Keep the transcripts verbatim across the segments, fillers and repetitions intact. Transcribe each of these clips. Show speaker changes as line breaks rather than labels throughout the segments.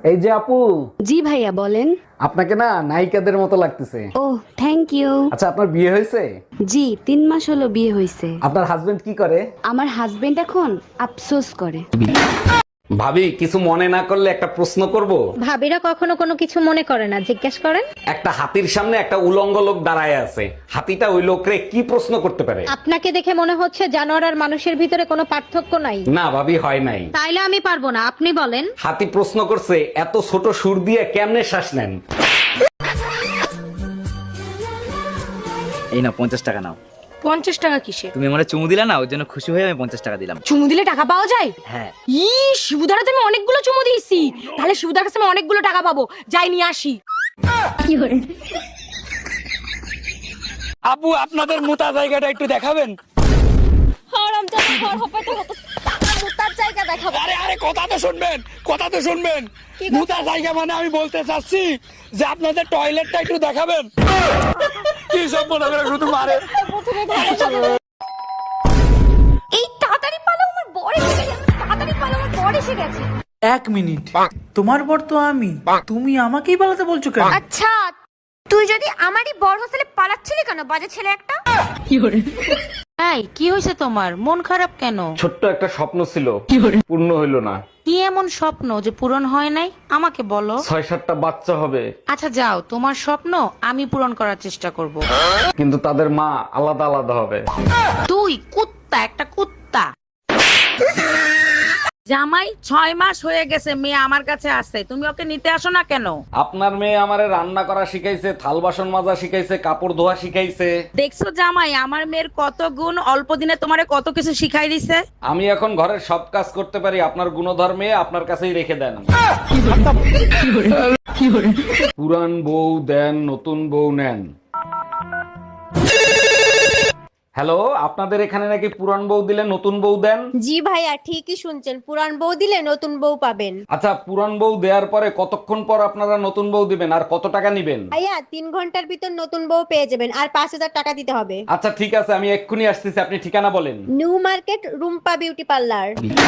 এই যে আপু,
জি ভাইয়া বলেন।
আপনাকে না নায়িকাদের মতো লাগতেছে।
ও থ্যাংক ইউ।
আচ্ছা, আপনার বিয়ে হয়েছে?
জি তিন মাস হলো বিয়ে হয়েছে।
আপনার হাজবেন্ড কি করে?
আমার হাজবেন্ড এখন আফসোস করে।
ভাবি, কিছু মনে না করলে একটা প্রশ্ন করব?
ভাবিরা কখনো কোনো কিছু মনে করে না, জিজ্ঞেস করেন।
একটা হাতির সামনে একটা উলঙ্গ লোক দাঁড়ায় আছে, হাতিটা ওই লোকরে কি প্রশ্ন করতে পারে?
আপনাকে দেখে মনে হচ্ছে জানোয়ার আর মানুষের ভিতরে কোনো পার্থক্য নাই।
না ভাবি, হয় নাই।
তাইলে আমি পারবো না, আপনি বলেন।
হাতি প্রশ্ন করছে, এত ছোট সুর দিয়ে কেমনে শ্বাস নেন?
এই না পঞ্চাশ টাকা নাও।
পঞ্চাশ টাকা কিসে?
তুমি আমার চুমু দিলা না, ওই জন্য খুশি হয়ে আমি পঞ্চাশ টাকা দিলাম।
চুমু দিলে টাকা পাওয়া যায়?
হ্যাঁ।
ই শিবুদার হাতে আমি অনেকগুলো চুমু দিয়েছি, তাহলে শিবুদার কাছে আমি অনেকগুলো টাকা পাবো। যাই নিয়ে আসি।
আপু, আপনাদের মোতা জায়গাটা একটু দেখাবেন? আরে আরে কথা তো শুনবেন, কথা তো শুনবেন। মোতা জায়গা মানে আমি বলতে চাচ্ছি যে আপনাদের টয়লেটটা একটু দেখাবেন। কি সব মনে করে শুধু মারে।
এই তাড়াতাড়ি পালো, আমার বর এসে গেছে। তাড়াতাড়ি পালো, আমার বর এসে গেছে।
এক মিনিট, তোমার বর তো আমি, তুমি আমাকেই পালাতে বলছো কেন?
আচ্ছা, তুই যদি আমারই বর হোস্টেলে পালাচ্ছিলি কেন, বাজে ছেলে একটা?
এই কি হয়েছে তোমার, মন খারাপ কেন?
ছোট্ট একটা স্বপ্ন ছিল, পূর্ণ হইল না।
কি এমন স্বপ্ন যে পূরণ হয় নাই আমাকে বলো।
ছয় সাতটা বাচ্চা হবে,
আচ্ছা যাও, তোমার স্বপ্ন আমি পূরণ করার চেষ্টা করব।
কিন্তু তাদের মা আলাদা আলাদা হবে।
তুই কুত্তা, একটা কুত্তা। জামাই ছয় মাস হয়ে গেছে, মেয়ে আমার কাছে আছে, তুমি ওকে নিতে আসো না কেন?
আপনার মেয়ে আমারে রান্না করা শিখাইছে, থাল বাসন মাজা শিখাইছে, কাপড় ধোয়া শিখাইছে।
দেখছো জামাই, আমার মেয়ের কত গুণ, অল্প দিনে তোমারে কত কিছু শিখাই দিছে।
আমি এখন ঘরের সব কাজ করতে পারি, আপনার গুণধর্মে আপনার কাছেই রেখে দেন। পুরান বউ দেন, নতুন বউ নেন। হ্যালো, আপনাদের এখানে নাকি পুরান বউ দিলে নতুন বউ দেন?
জি ভাইয়া, ঠিকই শুনছেন, পুরান বউ দিলে নতুন বউ পাবেন।
আচ্ছা, পুরান বউ দেওয়ার পরে কতক্ষণ পর আপনারা নতুন বউ দিবেন আর কত টাকা নিবেন?
ভাইয়া তিন ঘন্টার ভিতর নতুন বউ পেয়ে যাবেন, আর পাঁচ হাজার টাকা দিতে হবে।
আচ্ছা ঠিক আছে, আমি এক্ষুনি আসতেছি, আপনি ঠিকানা বলেন।
New Market, Rumpa beauty parlour.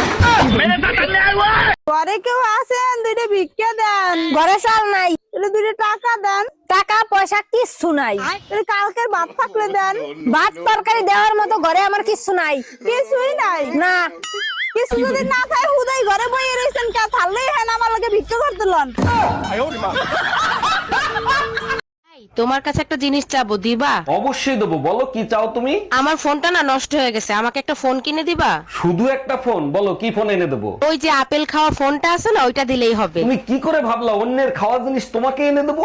ঘরে কেউ আছেন? দুইটা ভিক্ষা দেন। ঘরে চাল নাই, দুইটা টাকা দেন। টাকা পয়সা কিচ্ছু নাই, কালকের ভাত থাকলে দেন। ভাত তরকারি দেওয়ার মতো ঘরে আমার কিচ্ছু নাই। কিছুই নাই না, কিছু যদি না খায় হুদাই ঘরে বইয়ে রয়েছেন, কে থাললেই হ্যাঁ আমার লগে ভিক্ষা করতে লন।
তোমার কাছে একটা জিনিস চাবো, দিবা?
অবশ্যই দেবো, বলো কি চাও তুমি?
আমার ফোনটা না নষ্ট হয়ে গেছে, আমাকে একটা ফোন কিনে দিবা?
শুধু একটা ফোন? বলো কি ফোন এনে দেবো?
ওই যে আপেল খাওয়া ফোনটা আছে না, ওইটা দিলেই হবে।
তুমি কি করে ভাবলা অন্যের খাওয়া জিনিস তোমাকে এনে দেবো?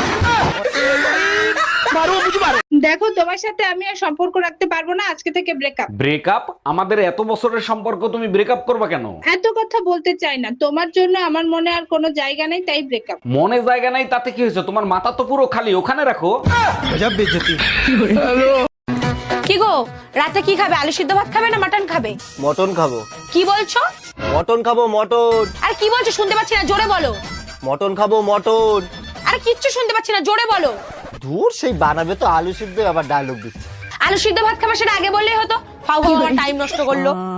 দেখো, তোমার সাথে আমি আর সম্পর্ক রাখতে পারবো না, আজকে থেকে ব্রেকআপ।
ব্রেকআপ? আমাদের এত বছরের সম্পর্ক, তুমি ব্রেকআপ করবা কেন?
এত কথা বলতে চাই না, তোমার জন্য আমার মনে আর কোনো জায়গা নেই, তাই ব্রেকআপ।
মনে জায়গা নাই তাতে কি হয়েছে? তোমার মাথা তো পুরো খালি, ওখানে রাখো।
কি গো, রাতে কি খাবে? আলু সিদ্ধ ভাত খাবে না মাটন খাবে?
মটন খাবো।
কি বলছো?
মটন খাবো, মটন।
আর কি বলছো শুনতে পাচ্ছি না, জোরে বলো।
মটন খাবো, মটন।
আরে কিচ্ছু শুনতে পাচ্ছি না, জোরে বলো।
দূর, সেই বানাবে তো আলু সিদ্ধ, আবার ডায়লগ দিচ্ছে।
আলু সিদ্ধ ভাত খাবে, সেটা আগে বললেই হতো। ফাউ ফাউ আমার টাইম নষ্ট করলো।